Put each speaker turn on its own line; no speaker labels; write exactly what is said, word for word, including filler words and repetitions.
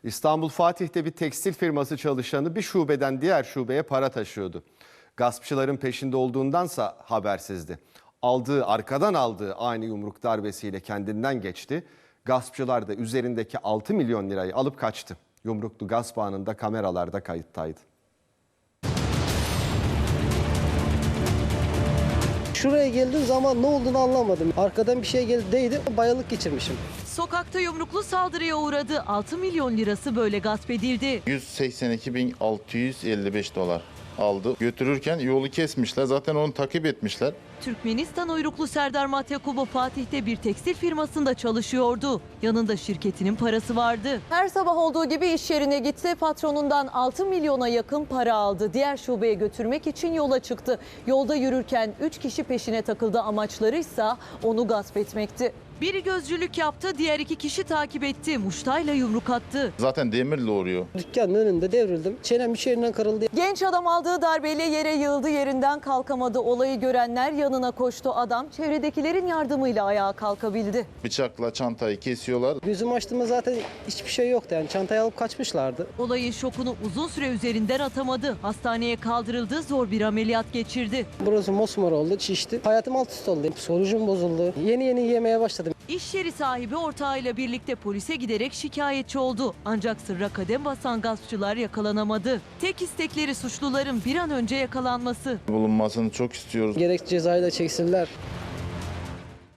İstanbul Fatih'te bir tekstil firması çalışanı bir şubeden diğer şubeye para taşıyordu. Gaspçıların peşinde olduğundansa habersizdi. Aldığı, arkadan aldığı ani yumruk darbesiyle kendinden geçti. Gaspçılar da üzerindeki altı milyon lirayı alıp kaçtı. Yumruklu gasp anında kameralarda kayıttaydı.
Şuraya geldiğim zaman ne olduğunu anlamadım. Arkadan bir şey geldi değdi, bayılık geçirmişim.
Sokakta yumruklu saldırıya uğradı. altı milyon lirası böyle gasp edildi.
yüz seksen iki bin altı yüz elli beş dolar aldı. Götürürken yolu kesmişler. Zaten onu takip etmişler.
Türkmenistan uyruklu Serdar Matyakubov Fatih'te bir tekstil firmasında çalışıyordu. Yanında şirketinin parası vardı. Her sabah olduğu gibi iş yerine gitti. Patronundan altı milyona yakın para aldı. Diğer şubeye götürmek için yola çıktı. Yolda yürürken üç kişi peşine takıldı. Amaçları ise onu gasp etmekti. Biri gözcülük yaptı, diğer iki kişi takip etti. Muştayla yumruk attı.
Zaten demirle uğruyor.
Dükkanın önünde devrildim. Çenem bir yerinden kırıldı.
Genç adam aldığı darbeyle yere yığıldı, yerinden kalkamadı. Olayı görenler yanına koştu. Adam çevredekilerin yardımıyla ayağa kalkabildi.
Bıçakla çantayı kesiyorlar.
Gözümü açtığımda zaten hiçbir şey yoktu. Yani çantayı alıp kaçmışlardı.
Olayın şokunu uzun süre üzerinden atamadı. Hastaneye kaldırıldı, zor bir ameliyat geçirdi.
Burası mosmor oldu, şişti. Hayatım alt üst oldu. Psikolojim bozuldu. Yeni yeni yemeye başladım.
İş yeri sahibi ortağıyla birlikte polise giderek şikayetçi oldu. Ancak sırra kadem basan gaspçılar yakalanamadı. Tek istekleri suçluların bir an önce yakalanması.
Bulunmasını çok istiyoruz.
Gerek cezayı da çeksinler.